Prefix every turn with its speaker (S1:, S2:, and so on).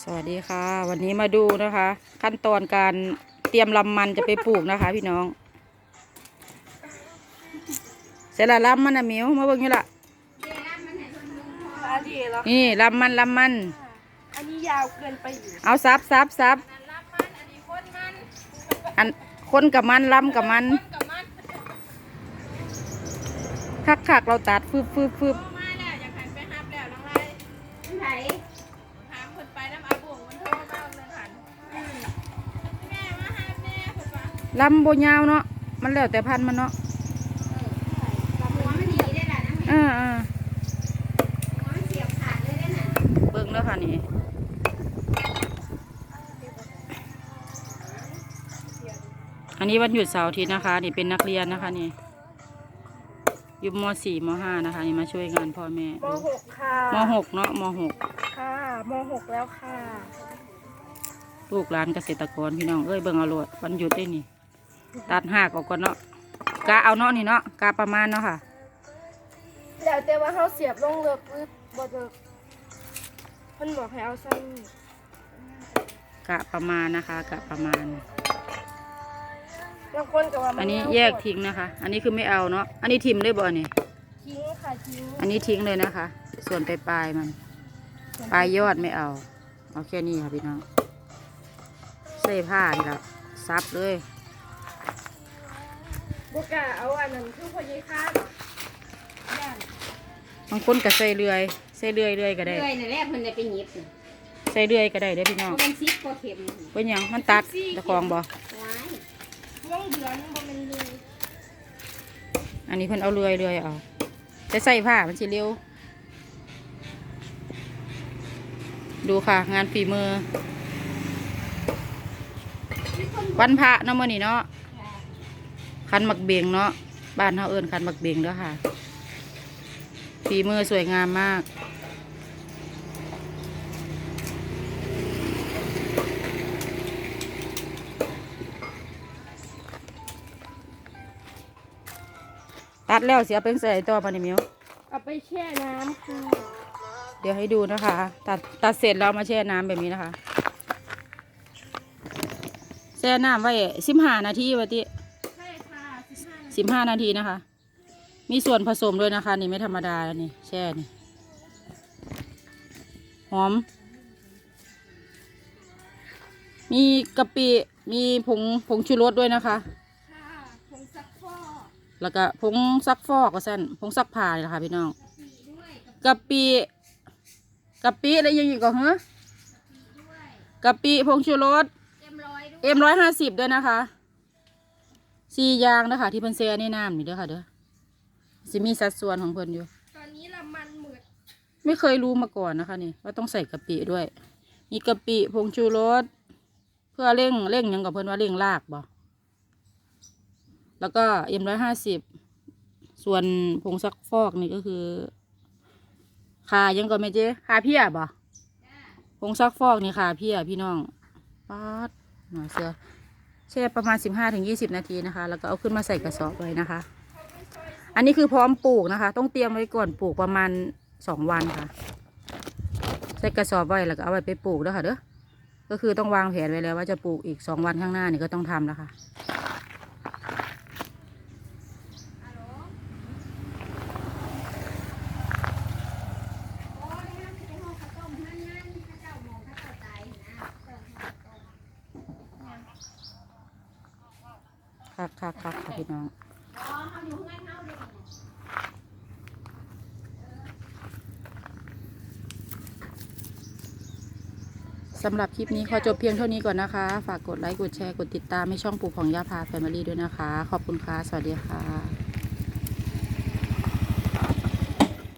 S1: สวัสดีค่ะวันนี้มาดูนะคะ ขั้นตอนการเตรียมลำมันจะไปปลูกนะคะ พี่น้องเสร็จละลำมันนะมิวมาเบิ่งนี่ละนี่ลำมัน
S2: อันนี้ยาวเกินไปอยู่
S1: เอาซับอันคนกับมันลำกับมันคักเราตัดฟืบ
S3: มาแล้วอยากหันไปฮับแล้วน้องไรไหนหามคนไปน้ำอาบุ๋งมันโทรมาเลยหันแม่มาฮับแม่คนว่า
S1: ลำโบยาวเนาะมันแล้วแต่พันมันเนาะ
S3: หัวมันดีได้แหละนะหัวมันเสียบขาดเลยได้น่ะ
S1: เบิ่งแล้วค่ะนี่อันนี้วันหยุดเสาร์อาทิตย์นะคะนี่เป็นนักเรียนนะคะนี่อยู่ม.4 ม.5 นะคะนี่มาช่วยงานพ่อแม่
S2: ม.6 ค่ะ
S1: ม.6 เนาะม.6
S2: ค่ะม.6 แล้วค่ะ
S1: ลูกหลานเกษตรกรพี่น้องเอ้ยเบิ่งเอาโลดวันหยุดได้นี่ตัดหักออกก่อนเนาะกะเอาเนาะนี่เนาะกะประมาณเนาะค่ะ
S2: แล้วแต่ว่าเขาเสียบลงเลิกหรือบ่เลิกมันบอกให้เอาซ้
S1: กะประมาณนะคะกะประมาณ
S2: บางคนก็ว่า
S1: อันนี้แยกทิ้งนะคะ อันนี้คือไม่เอาเนาะอันนี้ทิ่มได้บ่เนี่ย
S2: ทิ้งค่ะทิ้ง
S1: อันนี้ทิ้งเลยนะคะ ส่วนปลายมันปลายยอดไม่เอาแค่นี้ค่ะพี่น้องใส่ผ้านี่ละซับเลย
S2: บกะเอาอันนั้นคือพอยีค่าย่าน
S1: บางคนก็ใส่เรื่อยก็ได้
S3: เลื่อยในแรกเพิ่นได้ไปหยิบ
S1: ใส่เรื่อยก็ได้เด้อพี่น้อง
S3: เป็นซิปก็เข็ม
S1: เป็นยังมันตัดตะคองบ่
S2: ม่วงเดือนบ่เป็นเลย
S1: อันนี้เพิ่นเอาเรื่อยเอาจะใส่ผ้ามันสิเร็วดูค่ะงานฝีมือวันพระเนาะมื้อนี้เนาะคันหมักเบงเนาะบ้านเฮาเอิ้นคันหมักเบงเด้อค่ะฝีมือสวยงามมากตัดแล้วเสียเป็นใส่ตัวปานิมิว
S2: เอาไปแช่น้ำค่ะ
S1: เดี๋ยวให้ดูนะคะตัดเสร็จแล้วมาแช่น้ำแบบนี้นะคะแช่น้ำไว้15 นาทีวะติ
S2: ใช่ค่ะ
S1: 15 นาทีนะคะมีส่วนผสมด้วยนะคะนี่ไม่ธรรมดาแล้วนี่แช่นี่หอมมีกะปิมีผงชูรสด้วยนะคะ
S2: ผงซักฟอก
S1: แล้วก็ผงซักฟอกก็สั่นผงซักผ้าเลยค่ะพี่น้องกะปิแล้วยังอีกก็เหรอกะปิผงชูรสM150ด้วยนะคะ4 อย่างนะคะที่เพิ่นแช่ในน้ำนี่เด้อค่ะเด้อจะมีสัดส่วนของเพิ่นอยู่
S2: ตอนนี้ละมันหมืด
S1: ไม่เคยรู้มาก่อนนะคะนี่ว่าต้องใส่กะปิด้วยมีกะปิผงชูรสเพื่อเร่งยังกับเพิ่นว่าเร่งรากบ่แล้วก็M150ส่วนผงซักฟอกนี่ก็คือขายังก็ไม่เจ๊ขาเพี้ยบ่ผงซักฟอกนี่ขาเพี้ยพี่น้องป๊าดหน่อยเสือแช่ประมาณ15-20 นาทีนะคะแล้วก็เอาขึ้นมาใส่กระสอบไว้นะคะอันนี้คือพร้อมปลูกนะคะต้องเตรียมไว้ก่อนปลูกประมาณ2 วันค่ะใส่กระสอบไว้แล้วก็เอาไว้ไปปลูกแล้วค่ะเด้อก็คือต้องวางแผนไว้แล้วว่าจะปลูกอีก2 วันข้างหน้านี่ก็ต้องทำแล้วค่ะค่ะพี่น้องสำหรับคลิปนี้ขอจบเพียงเท่านี้ก่อนนะคะฝากกดไลค์กดแชร์กดติดตามให้ช่องปลูกของย่าพาแฟมิลี่ด้วยนะคะขอบคุณค่ะสวัสดีค่ะ